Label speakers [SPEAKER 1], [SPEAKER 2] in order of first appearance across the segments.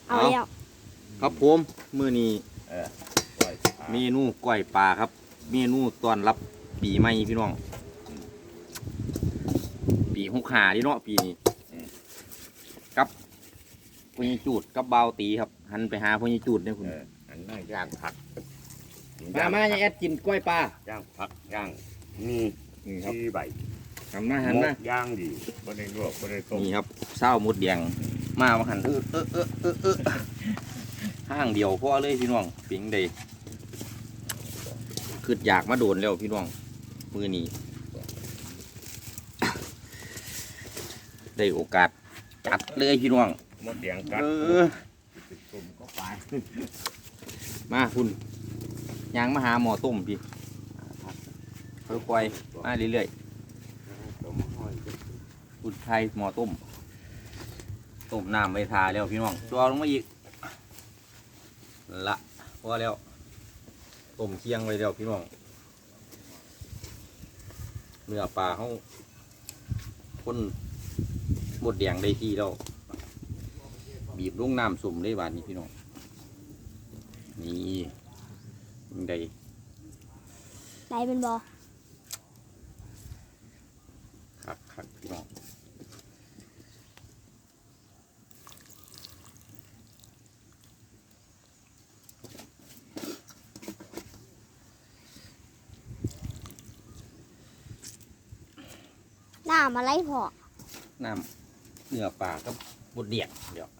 [SPEAKER 1] เอาแล้ว
[SPEAKER 2] ครับผมมื้อนี้
[SPEAKER 3] ปล่อย
[SPEAKER 2] เมนูก้อยปลาครับเมนูต้อนรับปีใหม่พี่น้องปี65ดิเนาะปีนี้กับพญจูดกับเบาวตีครับหันไปหาพญจูดเนี่ยคุณ
[SPEAKER 3] อันนั้นย่างผัก
[SPEAKER 2] มาอย่าแอดกินก้อยปลา
[SPEAKER 3] ย่างผักย่างนี่
[SPEAKER 2] นี่ครับ
[SPEAKER 3] ที่ใบ
[SPEAKER 2] ทำมาหัน
[SPEAKER 3] หม
[SPEAKER 2] มาก
[SPEAKER 3] ย่างดีบ่ได้ลวกบ่ได้ต้ม
[SPEAKER 2] นี่ครับเศร้ามุดแดงมาหันห้างเดียวพอเลยพี่น้องปิงเดยคืออยากมาโดนแล้วพี่น้องมือนี้ได้โอกาสจัดเลยพี่น้อง
[SPEAKER 3] หมดแดงกัดต้มก็ไป
[SPEAKER 2] มาคุณยางมาหาหมอต้มพี่ค่อยๆมาเรื่อยๆ
[SPEAKER 3] ต้มห้อย
[SPEAKER 2] คุณไทยหมอต้มน้ำใบทาแล้วพี่น้องตัวลงมาอีกละพอแล้วต้มเคียงไว้แล้วพี่น้องเนื้อปลาเขาคนหมดแดงได้ที่แล้วบีบลงน้ำสุ่มได้บาดนี้พี่น้องนี่ได้
[SPEAKER 1] ได้เป็นบอ
[SPEAKER 2] ครับพี่น้อง
[SPEAKER 1] หน้ามาไล่พอ
[SPEAKER 2] น้ำเนื้อปลากับบดเดียงเดี๋ยว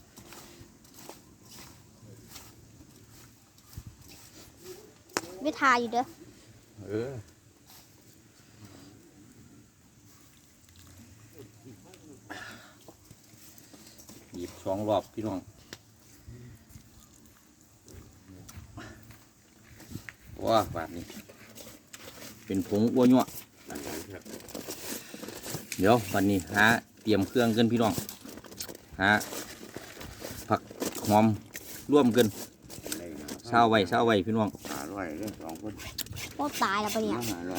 [SPEAKER 1] ไม่ทาอยู่เด้อ
[SPEAKER 2] เออหยิบ2 รอบพี่น้องว้าบาดนี้เป็นผงอ้วนยั่ว
[SPEAKER 3] อันนั้นครับ
[SPEAKER 2] เดี๋ยววันนี้หาเตรียมเครื่องกันพี่น้องหาผักหอมร่วมกันเศร้าไว้พี่น้อง
[SPEAKER 3] อร่อยเลย2คน
[SPEAKER 1] โคตรตายแล้วปะเนี่ย
[SPEAKER 3] อร่อย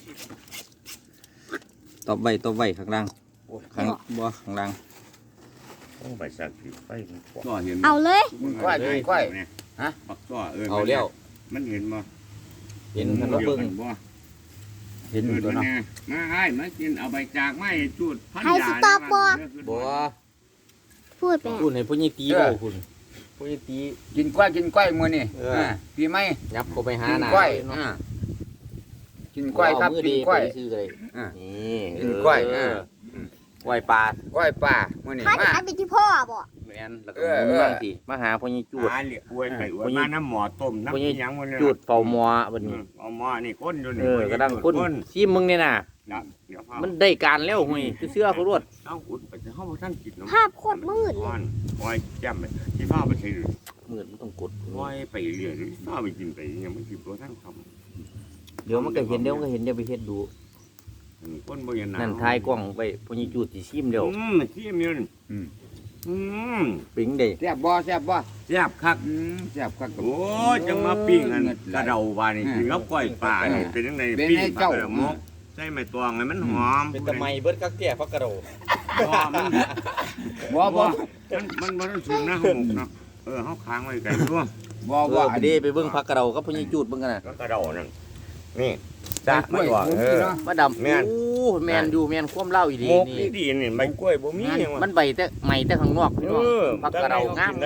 [SPEAKER 2] ตบไว้ข้างล่างข้างล่าง
[SPEAKER 3] ต้องไปสักทีไปมันกว่า
[SPEAKER 4] ก็เห็น
[SPEAKER 1] เอาเลย
[SPEAKER 4] มึง
[SPEAKER 3] ก้อยก้อย
[SPEAKER 4] ฮะปักก็
[SPEAKER 2] เอาแล้ว
[SPEAKER 4] มันเห็นบ่
[SPEAKER 2] เห็นมันก็เบิ่ง
[SPEAKER 4] บ่
[SPEAKER 2] เห็นอยู่ตัวเนาะ
[SPEAKER 4] มาให้มากินเอาใบจากไม้จูดพัน
[SPEAKER 1] ให้
[SPEAKER 4] ยา
[SPEAKER 1] สต๊อปบ่
[SPEAKER 2] บัว
[SPEAKER 1] พูดไป
[SPEAKER 2] คุณให้พวกนี้ตีบ่คุณพวกนี้ตี
[SPEAKER 3] กินกล้วยมื้อนี่ปีใหม่
[SPEAKER 2] ยับเข้าไปหา
[SPEAKER 3] กิน
[SPEAKER 2] หน้าก
[SPEAKER 3] ล้วย
[SPEAKER 2] เนาะ
[SPEAKER 3] กินกล้วยครับ
[SPEAKER 2] มือ
[SPEAKER 3] กิ
[SPEAKER 2] ดี
[SPEAKER 3] นกล้วย
[SPEAKER 2] ไปซื้อเลย
[SPEAKER 3] อ่า
[SPEAKER 2] นี่
[SPEAKER 3] กินกล้วย
[SPEAKER 2] กล้วยปลาก
[SPEAKER 3] ล้วยป่ามื้อนี้
[SPEAKER 1] ถ้า
[SPEAKER 3] มา
[SPEAKER 1] จะไปที่พ่อบ่
[SPEAKER 2] แม่นแล้วก็หมุนบ้างสิมาหาพวกนี้จูด
[SPEAKER 4] หาเหลี่ยอวยไปอวยมาน้ำหมอต้มน้ำหยังมัน
[SPEAKER 2] จูดเฝ้าหมอบัดนี้
[SPEAKER 4] เอาหมอนี่ก้นอยู่นี่
[SPEAKER 2] กระดังคนซีมึงเนี่ยน่ะ
[SPEAKER 4] เดี๋ยว
[SPEAKER 2] มันได้การแล้วหุยเชื่อเขารวด
[SPEAKER 4] เอาอุดไปจะเข้าท่านกินน้ำ
[SPEAKER 1] ภาพโคตรมืดเลย
[SPEAKER 4] ปล่อยแจ่มไปที่ฟ้าไปใช้
[SPEAKER 2] มืดมันต้องกด
[SPEAKER 4] ปล่อยไปเรื่อยฟ้าไปกินไปยังไม่กินตัวท่านท
[SPEAKER 2] เดี๋ยวมันก็เห็นเดี๋ยวมันก็เห็นเดี๋ยวไปเฮ็ดดู
[SPEAKER 4] ำก้นบ่ยัน
[SPEAKER 2] นั่นทายกล้องไปพวกนี้จูดสิซิมเดี๋ยว
[SPEAKER 4] ขี้มีน
[SPEAKER 2] ปิงเด้
[SPEAKER 3] แซ่บบ่แซ่บบ่
[SPEAKER 4] แซ่บคัก
[SPEAKER 3] แซ่บครับ
[SPEAKER 4] โอ้จังมาปิ้งอันกระเดาบานี่กินกับก้อยปลานี่เป็นยังไงปิ้งปลากระมกใส่ไม้ตวงให้มันหอม
[SPEAKER 2] เป็นตะไมเบิดกักแก่พักกระโด
[SPEAKER 4] มัน
[SPEAKER 3] บ่บ่
[SPEAKER 4] มันต้องสูงนะหมกเนาะเขาค้างไว้ไก่ร่วง
[SPEAKER 3] บ่
[SPEAKER 2] เอ
[SPEAKER 3] บ่
[SPEAKER 2] อไปเด้ไปเบิ่งพักกระโดกับพวกนี้จูดเบิ่งกันน่ะ
[SPEAKER 4] ก็กระเดานั่นนี่จ้าไม่ว่า
[SPEAKER 2] มาดำโอ้แมนอยู่แมนความเล่าอีดี
[SPEAKER 4] หมก
[SPEAKER 2] นี่
[SPEAKER 4] ดีนี่ใบกล้วยบ่มีหยัง
[SPEAKER 2] มันใบแต่ใหม่แต่ข้างนอกพี่น้องพักกระโดงาม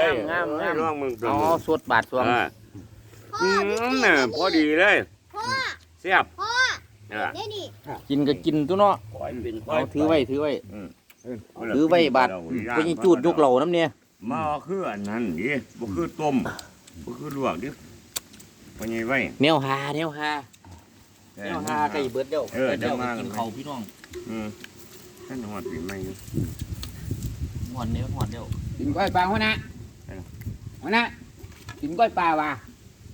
[SPEAKER 4] น้องมึง
[SPEAKER 2] อ๋อสดบาดสวง
[SPEAKER 4] น่ะพอดีเลย
[SPEAKER 1] พ่อ
[SPEAKER 4] เสียบ
[SPEAKER 1] พ่อเดี๋ยวนี่
[SPEAKER 2] กินก็กินตัวเนาะ
[SPEAKER 4] ขอยเป็น
[SPEAKER 2] เอาถือไว้ถือไว้บาดพวกนี้จูดยกเหล่าน้ำเนี่ย
[SPEAKER 4] มาคืออันนั้นดิบ่คือต้มบ่คือลวกดิพอใหญ่ไว้
[SPEAKER 2] แนวหาไก่เบิดเดียวเดี๋ยวกินเขาพี่น้อง
[SPEAKER 4] ท่านหอดปีใหม่
[SPEAKER 2] หอนเดียว
[SPEAKER 3] กินกล้วยป่าหัวหน้าหัวหน้ากินกล้วยป่าว่ะ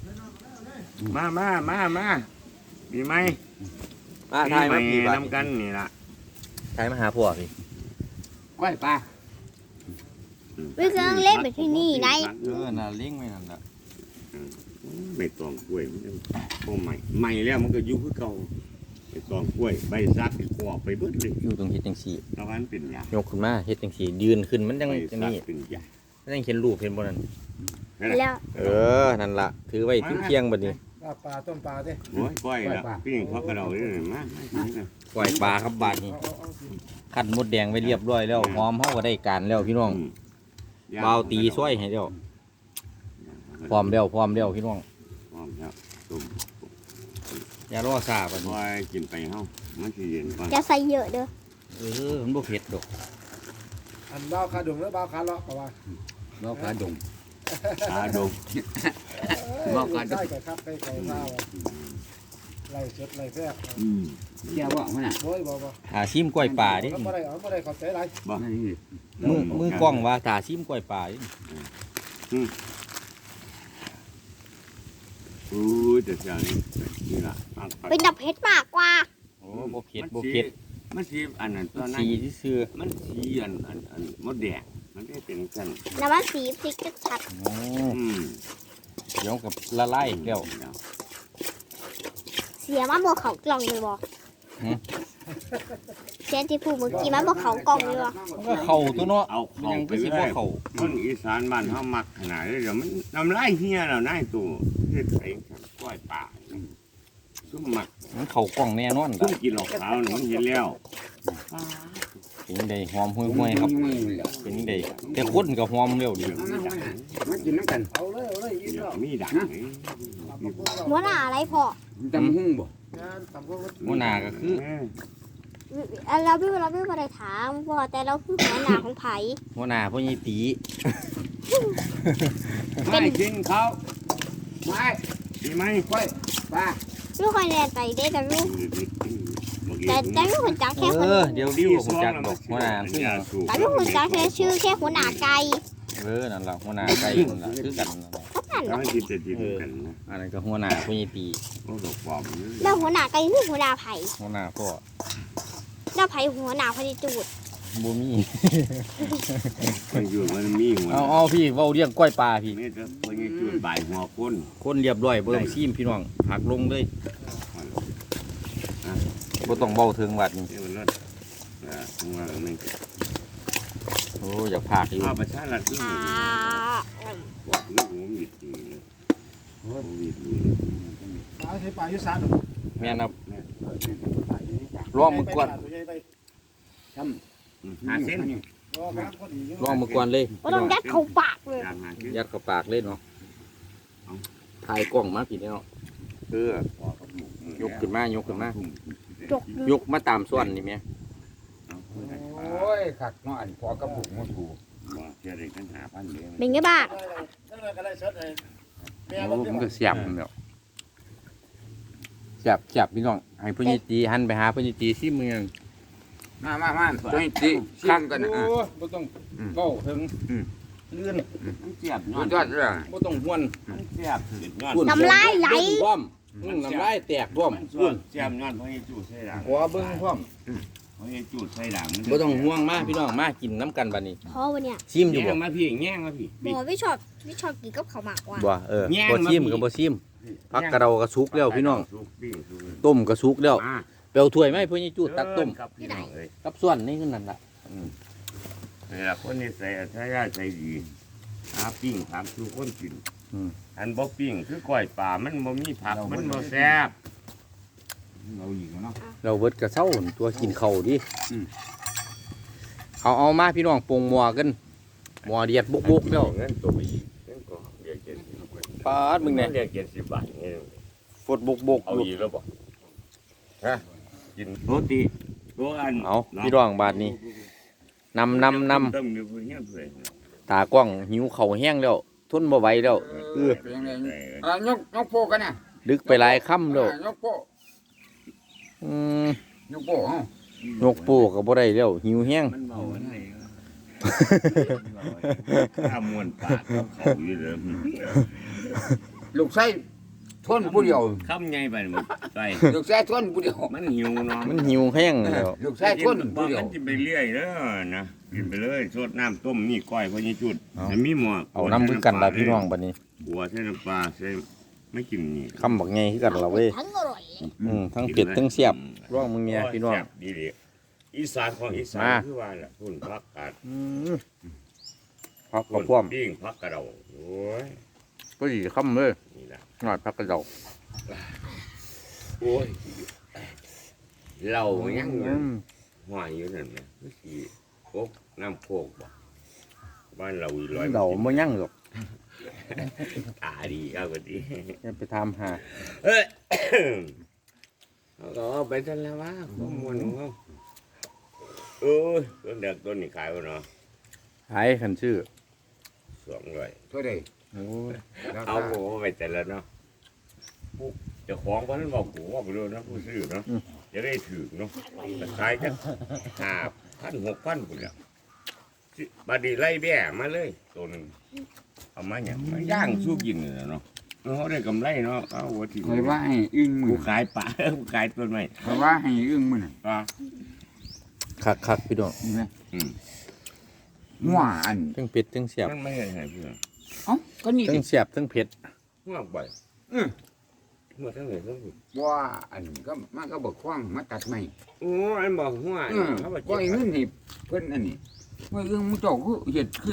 [SPEAKER 4] มาปีใหม่
[SPEAKER 2] มาทายมา
[SPEAKER 4] ปี
[SPEAKER 2] พี่
[SPEAKER 4] ให
[SPEAKER 2] บา
[SPEAKER 4] น้ำกันนี่ล่ะ
[SPEAKER 2] ทายมาหาพวกพี่
[SPEAKER 3] กล้วยป่า
[SPEAKER 1] วิเครื่องเล่นไปที่นี่ไหน
[SPEAKER 2] น่ะเลี้ยงไว้นั่นน่ะ
[SPEAKER 4] ใบตองกล้วยมันโอ้ใหม่แล้วมันก็อยู่คือเก่าใบตองกล้วยใบซักกรอบไปเบิดเลย
[SPEAKER 2] อยู่ตรงเฮ็ดจังซี่
[SPEAKER 4] ตะวันเป็นยาย
[SPEAKER 2] กขึ้นมาเฮ็ดจังซี่ยืนขึ้นมันจัง
[SPEAKER 4] ใบ
[SPEAKER 2] จัง
[SPEAKER 4] ซัก
[SPEAKER 2] นี้
[SPEAKER 4] เป็นยา
[SPEAKER 2] ยังเห็นรูปเห็นบ่นั่น
[SPEAKER 1] แล้ว
[SPEAKER 2] นั่นล่ะถือไว้ทิ้งเที่ยงบัดนี้
[SPEAKER 5] ปลาต้มปลาดิ
[SPEAKER 4] โอ้ยก้อยละพี่เขากระโดดเลยมา
[SPEAKER 2] ปล่อยปลาครับบาดนี้คั้นมดแดงไว้เรียบร้อยแล้วหอมเฮาก็ได้การแล้วพี่น้องเบาตีซอยให้แล้วพร้อมแล้วพี่น้อง
[SPEAKER 4] พร้อมแล้วตุ่ม
[SPEAKER 2] อย่ารอซ่าบัดนี้
[SPEAKER 4] ก้อยกินไปเฮามันสิเย็นก่อน
[SPEAKER 1] จะใส่เยอะเด้อ
[SPEAKER 2] มันบ่เผ็ดดอก
[SPEAKER 5] อันบ้าขาดุงแล้วบ้าขาเลาะป่าวะ
[SPEAKER 3] บ่ขาดง
[SPEAKER 4] ตาดง
[SPEAKER 5] ได้กับครับได้ไก่ข้าวไล่เช็ดไล่แทรก
[SPEAKER 3] เจ้าบ่มันน่ะ
[SPEAKER 5] โอ้ยบ่
[SPEAKER 2] ชิมกล้วยป่าดิ
[SPEAKER 5] บ่ได้ขอบใจไร
[SPEAKER 3] นั่นนี่
[SPEAKER 2] มือกล้องว่าตาชิมกล้วยป่าดิ
[SPEAKER 4] อู้แต่เช้านี้นี่ล่ะ
[SPEAKER 1] เป็นดับเพชรมากกว่า
[SPEAKER 2] โอ้บ่เผ็ดบ่เผ็ด
[SPEAKER 4] มันสีอันนั้นตัวนั้น
[SPEAKER 2] สีซื่อ
[SPEAKER 4] มันสีอันมดแดงมันได้เป็นกัน
[SPEAKER 1] น้ำมันสีพริกก็ชัด
[SPEAKER 2] ๆเดี๋ยวกับละลายแล้ว
[SPEAKER 1] เสียมาบ่เขากล่องเลยบ่เสียที่พูดเมื่อกี้มันบ่เขากล่องเลยบ่
[SPEAKER 2] มันก็เข้าตัวเนาะ
[SPEAKER 4] เอา
[SPEAKER 2] มัน
[SPEAKER 4] เข้า
[SPEAKER 2] ยัง
[SPEAKER 4] ไป
[SPEAKER 2] ก็สิ
[SPEAKER 4] เล
[SPEAKER 2] บ่
[SPEAKER 4] ย
[SPEAKER 2] เข้า
[SPEAKER 4] คนอีสานบ้านเฮามักขนาดนี้เดี๋ยวมันน้ำลายเฮียแล้วนายตู่เฮ็ดเองก้อยป่าซุ่มมัก
[SPEAKER 2] มันเข้ากล้องแน่นอน
[SPEAKER 4] ซุ่มกินเหล้าขาวนี่มันเห็นแล้ว
[SPEAKER 2] เป็นจังไดหอมห่วยๆครับเป็นจังไดแต่คนก็หอมเร็วดิ
[SPEAKER 3] มากินน้ำกัน
[SPEAKER 5] เอาเลยยิ้มแล้ว
[SPEAKER 4] มีดัง
[SPEAKER 1] หัวหน้าอะไรพ่อ
[SPEAKER 3] ตำหุ่งบ่
[SPEAKER 5] งานตำพวก
[SPEAKER 2] หัวหน้าก็คือ
[SPEAKER 1] เราไม่ได้ถามพ่อแต่เราคือหัวหน้าของไผ่
[SPEAKER 2] หัวหน้าพ่อใหญ่ตี
[SPEAKER 3] ไม่กินเขาไม่
[SPEAKER 4] มีไหม
[SPEAKER 3] ค่อยปลา
[SPEAKER 1] ลูกคอยแลนไปได้แต่ลูกแต่ลูกคนจักแค่คน
[SPEAKER 2] เดี๋ยวดิวผมจักบอกหัวหน้าคือหยัง
[SPEAKER 1] แต่ลูกคนจักแค่ชื่อแค่หัวหน้าไก่
[SPEAKER 2] นั่นล่ะหัวหน้าไก่นั่นล่ะคือกันนั่นล่ะ
[SPEAKER 1] เท่านั้น
[SPEAKER 4] ถ้า
[SPEAKER 1] เนาะ
[SPEAKER 4] มันกินจะกินกันนะ
[SPEAKER 2] อันนั้นก็หัวหน้าพ่อใหญ่ตี
[SPEAKER 4] โอ้ดอกปลอม
[SPEAKER 1] แล้วหัวหน้าไก่คือหัวหน้าไผ่
[SPEAKER 2] หัวหน้าพ่อ
[SPEAKER 1] แล้วไผ่หัวหน้าพอดีจูด
[SPEAKER 2] บ่มี
[SPEAKER 4] มันอยู่มันมีหัว
[SPEAKER 2] เอาพี่เว้าเรื่องกล้วยปลาพี่
[SPEAKER 4] นี่จะพอยี่จุดบ่ายหัวคน
[SPEAKER 2] คนเรียบร้อยบ่ต้องซีมพี่น้องหักลงเลยบ่ต้องเบาถึงวัดนี่
[SPEAKER 4] นี่มันรถข้างล่างนี่
[SPEAKER 2] โอ้อยากพากอยู่
[SPEAKER 4] ข้าวประชารัฐนี่
[SPEAKER 1] อ่า
[SPEAKER 4] บอกนี่หัวมีดนี่หัวมีดนี่
[SPEAKER 5] ปลาที่ปลายุสาน
[SPEAKER 2] แม่นครับรอมือกวน
[SPEAKER 4] หาเส้น
[SPEAKER 2] รอมือกวนเลย
[SPEAKER 1] ก็ต้องยัดเข้าปากเลย
[SPEAKER 4] อยากหาเส้น
[SPEAKER 2] ยัดเข้าปากเลยเนาะถ่ายกล้องมาพี่เนาะคือยกขึ้นมายกขึ้นมา
[SPEAKER 1] จก
[SPEAKER 2] ยกมาตามส่วนนี่แม่
[SPEAKER 3] โอ้ยขักเนาะอันพอกระปุกมันถูก
[SPEAKER 4] เชื่อเลยกันหาพันเดียว
[SPEAKER 1] เป็นไงบ้าง
[SPEAKER 2] โอ้มันก็เสียบแล้วเสียบพี่น้องให้พ่อใหญ่ตีหันไปหาพ่อใหญ่ตีซิมือ
[SPEAKER 3] มาตัวนี้สิข้างกันนะ
[SPEAKER 2] บ่ต้องเก้าถึงเลื่อน
[SPEAKER 4] มันเสียบ
[SPEAKER 3] สุดยอดเลย
[SPEAKER 2] บ่ต้องห้วน
[SPEAKER 4] มันเสียบยอด
[SPEAKER 1] น้ำลายไหล
[SPEAKER 2] พร้อมน้ำลายแตกพร้อม
[SPEAKER 4] เสียบยอดเพราะยี่จุดใส่ด่าง
[SPEAKER 2] หัวเบิ่งพร้อม
[SPEAKER 4] เพราะยี่จุดใส่ด่าง
[SPEAKER 2] บ่ต้องห่วงมาพี่น้องมากินน้ำกันบัดนี้
[SPEAKER 1] เพราะวันเนี้ย
[SPEAKER 2] ซิมอยู่
[SPEAKER 4] แง่
[SPEAKER 2] บ่
[SPEAKER 4] งมาพี่แง่งมาพี่
[SPEAKER 1] บอกไม่ชอบกินกับข้าวหมากว่ะ
[SPEAKER 2] บ่บ่ซิมก็บ่ซิมผักกระเดากระสุกแล้วพี่น้องต้มกระสุกแล้วเปลวถ้วยไหมเพิ่นสิจูดตักต้ม
[SPEAKER 4] ครับพี่น้องเอ้ย
[SPEAKER 2] กับส่วนนี่คือนั่นล่ะ
[SPEAKER 4] นี่ล่ะคนนี้ใส่ใช้ยาใส่ดีหาปิ้งถามสู่คนกินอันบ่ปิ้งคือก้อยป่ามันบ่มีผักมันบ่แซ่บ
[SPEAKER 3] เราอีกเนาะ
[SPEAKER 2] เราเบิดกระเซ้าหั่นตัวกินข้าวดิเอามาพี่น้องปรุงหม้อกันหม้อเดียดบุกๆแล้ว
[SPEAKER 4] เงินตัวไปอีกเงินก็เรียก70
[SPEAKER 2] ปาดมึงเนี่ย
[SPEAKER 4] เรียก70 บาทนี่
[SPEAKER 2] ฟดบุก
[SPEAKER 4] เอา
[SPEAKER 2] อยู่
[SPEAKER 4] อีกแล้วบ่ฮะกินโรตีโรอัน
[SPEAKER 2] เอาพี่น้องบาดนี้นำ
[SPEAKER 4] ต้มอยู่เฮียนเพิ่น
[SPEAKER 2] ตากล้องหิวข้าวแห้งแล้วทนบ่ไหวแล้ว
[SPEAKER 3] เป็นยังไงยกโปกันนะ
[SPEAKER 2] ดึกไปหลายค่ำแล้ว
[SPEAKER 3] ยกโป ยกโป
[SPEAKER 2] ยกปูก็บ่ได้แล้วหิวแห้ง
[SPEAKER 4] มันเมาอันไหนข้ามวนปากเขาอยู่เด้อ
[SPEAKER 3] ลูกไส้ทนผู้เดียว
[SPEAKER 4] คำใหญ่ไปหมดใส่
[SPEAKER 3] ลูกไส้ทนผู้เดียว
[SPEAKER 4] มันหิวเนาะ
[SPEAKER 2] มันหิวแห้งแล้ว
[SPEAKER 3] ลูกไส้ทน
[SPEAKER 4] บ่
[SPEAKER 3] ผู้เดียว
[SPEAKER 4] มันกินไปเรื่อยเด้อนะกินไปเลยสดน้ำต้มนี่ก้อยพอยี่จุดมันมีหม้อ
[SPEAKER 2] เอาน้ำคือกันล่ะพี่น้องบัดนี้
[SPEAKER 4] บัวใส่น้ำปลาใส่ไม่กินนี่
[SPEAKER 2] คำบักใหญ่คือกันล่ะเว้ย
[SPEAKER 1] ทั้งอร่อย
[SPEAKER 2] ทั้งเป็ดทั้งเสียบร้องมึงเนี่ยพี่น้อง
[SPEAKER 4] ดีดีอีสานของอีสาน
[SPEAKER 2] มา
[SPEAKER 4] คือว่าล่ะคุณพักกาด
[SPEAKER 2] ผัพักกระพร่อม
[SPEAKER 4] ปิ้งผักกระเดาโอ้ย
[SPEAKER 2] ก็ดีค่ำเลย
[SPEAKER 4] นี่นะ
[SPEAKER 2] หน่อยพักกระเดา
[SPEAKER 4] โอ้ยเรายัง
[SPEAKER 2] อืม
[SPEAKER 4] ห้อยอยู่นั่นนะคือสิโคกน้ำโคกบ่บ้านเราอีร้อย
[SPEAKER 2] เดาไม่ยั่งหรอก
[SPEAKER 4] ตาดีครับพอดี
[SPEAKER 2] จะไปทำหา
[SPEAKER 4] เอ้ยเอาไปทันแล้ววะข้อมูลของเขาโอ้ยต้นเด็กต้นนี้ขายวะเนาะ
[SPEAKER 2] ขายขันชื่อ
[SPEAKER 4] 200
[SPEAKER 3] เท่าใด
[SPEAKER 2] โอ้ย
[SPEAKER 4] เอาโอ้ไปแต่ละเนาะผู้เจ้าของวันนั้นบอกกูว่าไปเลยนะผู้ซื้อเนาะจะได้ถือเนาะแต่ขายจะ5,000 6,000พุ่นแล้วบัดนี้ไล่แบ่มาเลยตัวหนึงเอามาเนี่ยมาย่างสู้กินเลยเนาะเขาได้กำไรเนาะเอาหัวที่
[SPEAKER 3] คอยว่าให้อึ้งมื
[SPEAKER 4] กู
[SPEAKER 3] อ
[SPEAKER 4] ขายปลา กูขายต้นไม้
[SPEAKER 3] คอยว่าให้อึ้งมือน่ะ
[SPEAKER 4] ปลา
[SPEAKER 2] คักพี่น้อง
[SPEAKER 3] เห็นไหม
[SPEAKER 4] อืม
[SPEAKER 3] หัวอัน
[SPEAKER 2] ทั้งเผ็ดทั้งเสียบ
[SPEAKER 4] มันไม่ใช่ไงเพื่อน
[SPEAKER 3] เอ้าก็นี่
[SPEAKER 2] ทั้
[SPEAKER 3] ดิ
[SPEAKER 2] งเสียบทั้งเผ็ด
[SPEAKER 4] หัวบ่อยหัวทั้งไหนทั้งหุ่น
[SPEAKER 3] ว่าอันก็มันก็บอกคว้างมาตัดไม้
[SPEAKER 4] โอ้อันบอกหัวเขาบอก
[SPEAKER 3] ก็ไอ้เงินนี่เพิ่นอันนี้เมื่ออึ้งมันเจ้าคือเฮ็ดคือ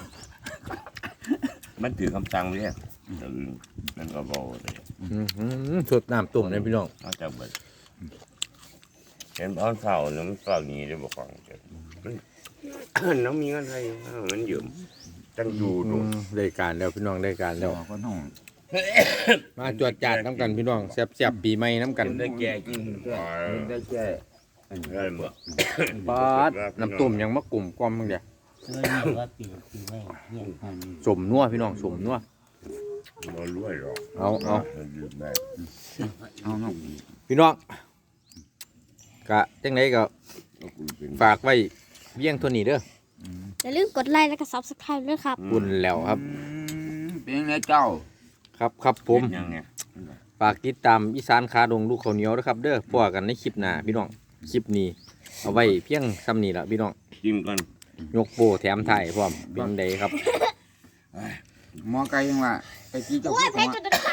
[SPEAKER 4] มันถือคำสั่งเลยนั่นก็บอกเลย
[SPEAKER 2] สดน้ำตุ่มเลยพี่น้อง
[SPEAKER 4] นอกจากแบบเห็นตอนเสาร์น้ำเสาร์นี้ได้บอกฟังมันน้องมีเงินไทยมันยืมจังดูดู
[SPEAKER 2] ได้การแล้วพี่น้องได้การแล้ว
[SPEAKER 3] ก็น้อง
[SPEAKER 2] มาจวดจัดน้ำกันพี่น้องแซ่บๆปีใหม่น้ำกัน
[SPEAKER 4] ได้แก่กิน
[SPEAKER 3] ได้แค่อันนี้
[SPEAKER 4] ได้เมื่อ
[SPEAKER 2] ปาดน้ำตุ่มยังมะกลุ่มกลอมมึงเดียว
[SPEAKER 5] ซื้อนี่ว่าปีไม่เนี่ย
[SPEAKER 2] สมนัวพี่น้องสมนัว
[SPEAKER 4] บ่รวยหรอก
[SPEAKER 2] เอา
[SPEAKER 4] ยืมได้
[SPEAKER 3] เอาน้อง
[SPEAKER 2] พี่น้องกะจังไหนก็
[SPEAKER 4] กูเป็น
[SPEAKER 2] ฝากไว้เพียงเท่านี้เด้อ
[SPEAKER 1] อย่าลืมกดไลค์และก็ Subscribe ด้วยครับ
[SPEAKER 2] บุญแล้วครับ
[SPEAKER 3] เป็นไงเจ้า
[SPEAKER 2] ครับผม
[SPEAKER 4] ยังเนี่ย
[SPEAKER 2] ฝากติดตามอีสานคาดงลูกข้าวเหนียวนะครับเด้อพบกันในคลิปหน้าพี่น้องคลิปนี้เอาไว้เพียงซ้ำนี้ละพี่น้อง
[SPEAKER 4] จิ้มกัน
[SPEAKER 2] ยกโปแถมไทยพร้อมเป็นไดครับ
[SPEAKER 3] หมอไก่ยังว่าไปกี่เจ้า
[SPEAKER 1] โอ้ย
[SPEAKER 3] คือ
[SPEAKER 1] เพ
[SPEAKER 3] เขา
[SPEAKER 1] ชร
[SPEAKER 3] ว่า
[SPEAKER 1] จะ